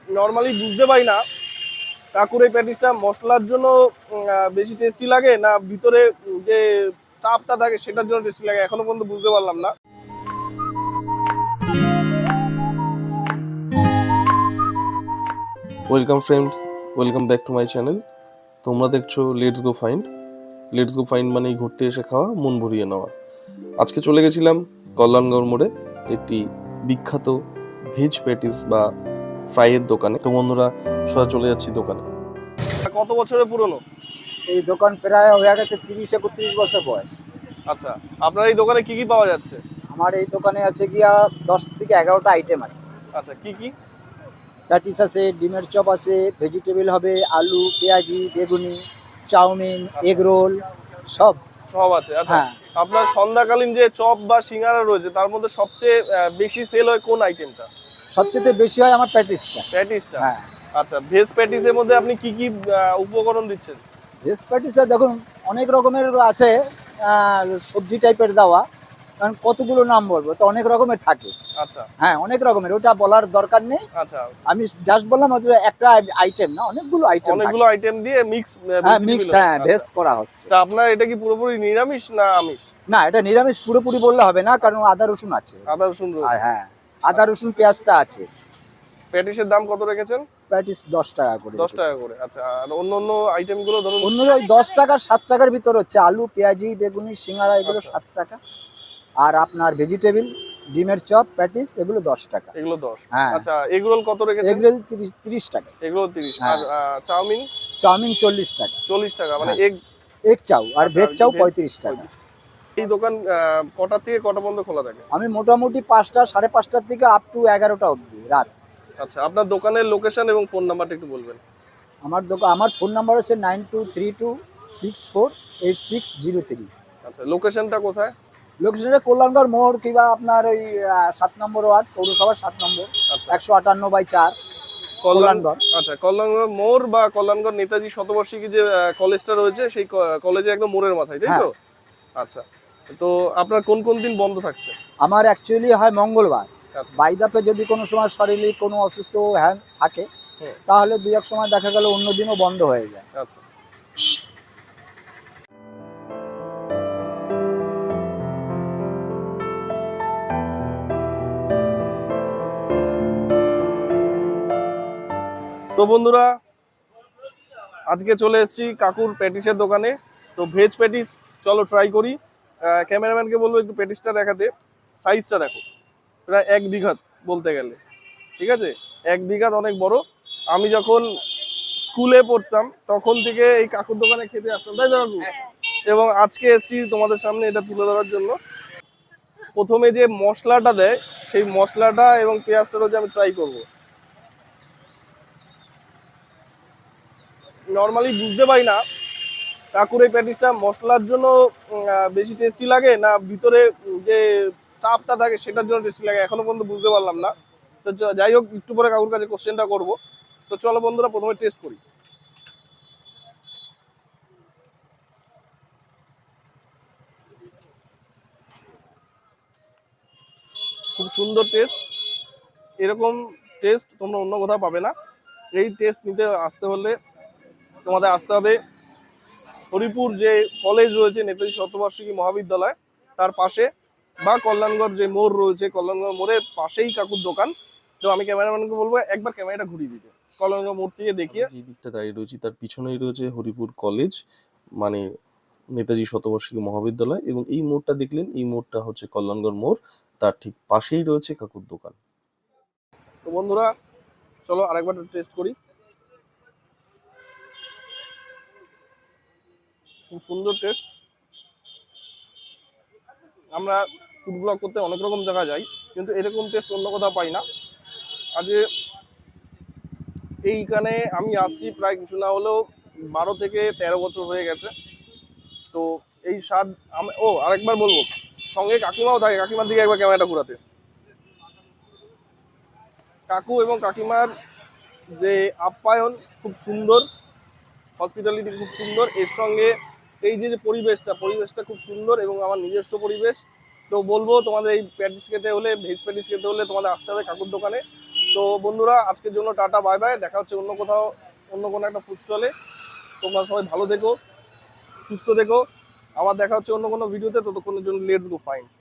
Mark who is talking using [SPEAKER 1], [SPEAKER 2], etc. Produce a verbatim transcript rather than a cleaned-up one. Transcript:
[SPEAKER 1] Normally বুঝতে পারি না কাকুর এই প্যাটিসটা মশলার জন্য বেশি টেস্টি লাগে না ভিতরে যে স্টাফটা থাকে সেটার জন্য টেস্টি লাগে, এখনো পর্যন্ত বুঝতে পারলাম না। Welcome friend, welcome back to my channel. তোমরা দেখছো let's go find. Let's go find মানেই ঘুরতে এসে খাওয়া, মন ভরিয়ে নেওয়া। আজকে চলে গেছিলাম কল্যাণগড় মোড়ে একটি বিখ্যাত ভেজ প্যাটিস বা ফ্রাইয়ের দোকানে। তো বন্ধুরা সোজা চলে যাচ্ছি দোকানে। কত বছরের পুরনো
[SPEAKER 2] এই দোকান? প্রায় হয়ে গেছে তিরিশ একত্রিশ বছর বয়স।
[SPEAKER 1] আচ্ছা, আপনার এই দোকানে কি কি পাওয়া যাচ্ছে?
[SPEAKER 2] আমার এই দোকানে আছে গিয়া দশ থেকে এগারোটা আইটেম আছে।
[SPEAKER 1] আচ্ছা, কি কি?
[SPEAKER 2] প্যাটিস আছে, ডিমের চপ আছে, ভেজিটেবল হবে, আলু, পেঁয়াজি, বেগুনি, চাউমিন, এগ রোল সব
[SPEAKER 1] সব আছে। আচ্ছা,
[SPEAKER 2] হ্যাঁ।
[SPEAKER 1] আপনার সন্ধ্যাকালীন যে চপ বা সিঙ্গারা রয়েছে তার মধ্যে সবচেয়ে আহ, বেশি সেল হয় কোন আইটেমটা?
[SPEAKER 2] সবচেয়ে বেশি হয় আমার প্যাটিসটা।
[SPEAKER 1] প্যাটিসটা।
[SPEAKER 2] হ্যাঁ।
[SPEAKER 1] আচ্ছা, ভেজ প্যাটিসের মধ্যে আপনি কি কি আহ, উপকরণ দিচ্ছেন?
[SPEAKER 2] ভেজ প্যাটিসে দেখুন অনেক রকমের আছে, আহ, সবজি টাইপের দেওয়া, কারণ কতগুলো নাম বলবো তো অনেক রকমের থাকে।
[SPEAKER 1] আচ্ছা
[SPEAKER 2] হ্যাঁ, অনেক রকমের, ওটা বলার দরকার নেই।
[SPEAKER 1] আচ্ছা,
[SPEAKER 2] আমি জাস্ট বললাম ওটা একটা আইটেম না, অনেকগুলো আইটেম।
[SPEAKER 1] অনেকগুলো আইটেম দিয়ে মিক্স
[SPEAKER 2] হ্যাঁ, মিক্সড, হ্যাঁ, ভেজ করা হচ্ছে।
[SPEAKER 1] তা আপনার এটা কি পুরোপুরি নিরামিষ না আমিষ?
[SPEAKER 2] না, এটা নিরামিষ পুরোপুরি বললে হবে না, কারণ আদা রসুন আছে।
[SPEAKER 1] আদা রসুন রয়েছে।
[SPEAKER 2] আর হ্যাঁ, আদা রসুন পেঁয়াজটা আছে।
[SPEAKER 1] প্যাটিসের দাম কত রেখেছেন?
[SPEAKER 2] প্যাটিস দশ টাকা করে।
[SPEAKER 1] দশ টাকা করে। আচ্ছা, আর অন্য অন্য আইটেম গুলো ধরুন?
[SPEAKER 2] অন্য ওই দশ টাকার সাত টাকার ভিতর হচ্ছে আলু, পেঁয়াজি, বেগুনি, সিঙ্গারা এগুলো সাত টাকা। আর আপনার ভেজিটেবল, ডিমের চপ, প্যাটিস এগুলো দশ টাকা।
[SPEAKER 1] এগুলো দশ।
[SPEAKER 2] হ্যাঁ।
[SPEAKER 1] আচ্ছা, এগরোল কত রেখেছেন?
[SPEAKER 2] এগরোল তিরিশ তিরিশ টাকা।
[SPEAKER 1] এগরোল তিরিশ।
[SPEAKER 2] হ্যাঁ।
[SPEAKER 1] আর আহ, চাউমিন?
[SPEAKER 2] চাউমিন চল্লিশ টাকা।
[SPEAKER 1] চল্লিশ টাকা, মানে
[SPEAKER 2] হ্যাঁ।
[SPEAKER 1] এগ
[SPEAKER 2] এগ চাউ আর
[SPEAKER 1] আচ্ছা,
[SPEAKER 2] ভেজ
[SPEAKER 1] আর
[SPEAKER 2] চাউ
[SPEAKER 1] ভেজ
[SPEAKER 2] পঁয়ত্রিশ টাকা।
[SPEAKER 1] পঁয়ত্রিশ। এই দোকান আহ, কটা থেকে কটা পর্যন্ত খোলা থাকে?
[SPEAKER 2] আমি মোটামুটি পাঁচটা সাড়ে পাঁচটার থেকে আপ টু এগারোটা অবধি রাত।
[SPEAKER 1] আচ্ছা, আপনার দোকানের লোকেশন এবং ফোন নাম্বারটা একটু বলবেন?
[SPEAKER 2] আমার দোকান, আমার ফোন নাম্বার হচ্ছে nine two three two six four eight six zero three.
[SPEAKER 1] আচ্ছা, লোকেশনটা কোথায়?
[SPEAKER 2] লোকেশনটা কল্যাণগড় মোড়, কিংবা আপনার ওই আহ, সাত নম্বর ওয়ার্ড, পৌরসভার সাত নম্বর,
[SPEAKER 1] আচ্ছা,
[SPEAKER 2] একশো আটান্ন বাই চার,
[SPEAKER 1] কল্যাণগড়।
[SPEAKER 2] কল্যাণগড়।
[SPEAKER 1] আচ্ছা, কল্যাণগড় মোড় বা কল্যাণগড় নেতাজি শতবার্ষিকী যে আহ, কলেজটা রয়েছে সেই ক- কলেজে একদম মোড়ের মাথায়, তাই তো? আচ্ছা, তো আপনার কোন কোন দিন বন্ধ থাকছে?
[SPEAKER 2] আমার অ্যাকচুয়ালি হয় মঙ্গলবার।
[SPEAKER 1] আচ্ছা,
[SPEAKER 2] বাইদাপে যদি কোনো সময় শারীরিক কোনো অসুস্থ হ্যাঁ থাকে,
[SPEAKER 1] হুম,
[SPEAKER 2] তাহলে দুই এক সময় দেখা গেল অন্য দিনও বন্ধ হয়ে যায়।
[SPEAKER 1] আচ্ছা। তো বন্ধুরা, আজকে চলে এসেছি কাকুর প্যাটিসের দোকানে। তো ভেজ প্যাটিস চলো ট্রাই করি। আহ, ক্যামেরাম্যানকে বলবো একটু প্যাটিসটা দেখাতে। সাইজটা দেখো, প্রায় এক বিঘা বলতে গেলে, ঠিক আছে? এক বিঘা অনেক বড়। আমি যখন স্কুলে পড়তাম তখন থেকে এই কাকুর দোকানে খেতে আসতাম, তাই তো কাকু? এবং আজকে এসেছি তোমাদের সামনে এটা তুলে ধরার জন্য। প্রথমে যে মশলাটা দেয় সেই মশলাটা এবং পেঁয়াজটা হচ্ছে আমি ট্রাই করব। নর্মালি বুঝতে পারি না কাকুর এই প্যাটিসটা মশলার জন্য আহ, বেশি টেস্টি লাগে না ভিতরে যে স্টাফটা থাকে সেটার জন্য টেস্টি লাগে, এখনো পর্যন্ত বুঝতে পারলাম না। তো চ- যাই হোক, একটু পরে কাকুর কাছে কোশ্চেনটা করব। তো চলো বন্ধুরা, প্রথমে টেস্ট করি। খুব সুন্দর টেস্ট। এরকম টেস্ট তোমরা অন্য কোথাও পাবে না। এই টেস্ট নিতে আসতে হলে তোমাদের আসতে হবে হরিপুর যে কলেজ রয়েছে নেতাজি শতবার্ষিকী মহাবিদ্যালয় তার পাশে, বা কল্যাণগড় যে মোড় রয়েছে কল্যাণগড় মোড়ের পাশেই কাকুর দোকান। তো আমি ক্যামেরাম্যানকে বলবো একবার ক্যামেরাটা ঘুরিয়ে দিতে কল্যাণগড় মোড় থেকে দেখিয়ে। যে দিকটা দাঁড়িয়ে রয়েছি তার পিছনেই রয়েছে হরিপুর কলেজ, মানে নেতাজি শতবার্ষিকী মহাবিদ্যালয়, এবং এই মোড়টা দেখলেন, এই মোড়টা হচ্ছে কল্যাণগড় মোড়, তার ঠিক পাশেই রয়েছে কাকুর দোকান। তো বন্ধুরা চলো আরেকবার টেস্ট করি। খুব সুন্দর টেস্ট। আমরা ফুড ব্লগ করতে অনেক রকম জায়গায় যাই, কিন্তু এরকম টেস্ট অন্য কোথাও পাই না। আজকে এইখানে আমি আসছি প্রায় কিছু না হলেও বারো থেকে তেরো বছর হয়ে গেছে। তো এই স্বাদ আমি, ও আরেকবার বলবো, সঙ্গে কাকিমাও থাকে, কাকিমার দিকে একবার ক্যামেরাটা ঘোরাতে। কাকু এবং কাকিমার যে আপ্যায়ন খুব সুন্দর, হসপিটালিটি খুব সুন্দর, এর সঙ্গে এই যে যে পরিবেশটা পরিবেশটা খুব সুন্দর এবং আমার নিজস্ব পরিবেশ। তো বলবো তোমাদের এই প্যাটিস খেতে হলে, ভেজ প্যাটিস খেতে হলে তোমাদের আসতে হবে কাকুর দোকানে। তো তো বন্ধুরা আজকের জন্য টাটা বাই বাই, দেখা হচ্ছে অন্য কোথাও অন্য কোনো একটা ফুড স্টলে। তোমরা সবাই ভালো থেকো, সুস্থ থেকো, আবার দেখা হচ্ছে অন্য কোনো ভিডিওতে। ততক্ষণের জন্য লেটস গো ফাইন।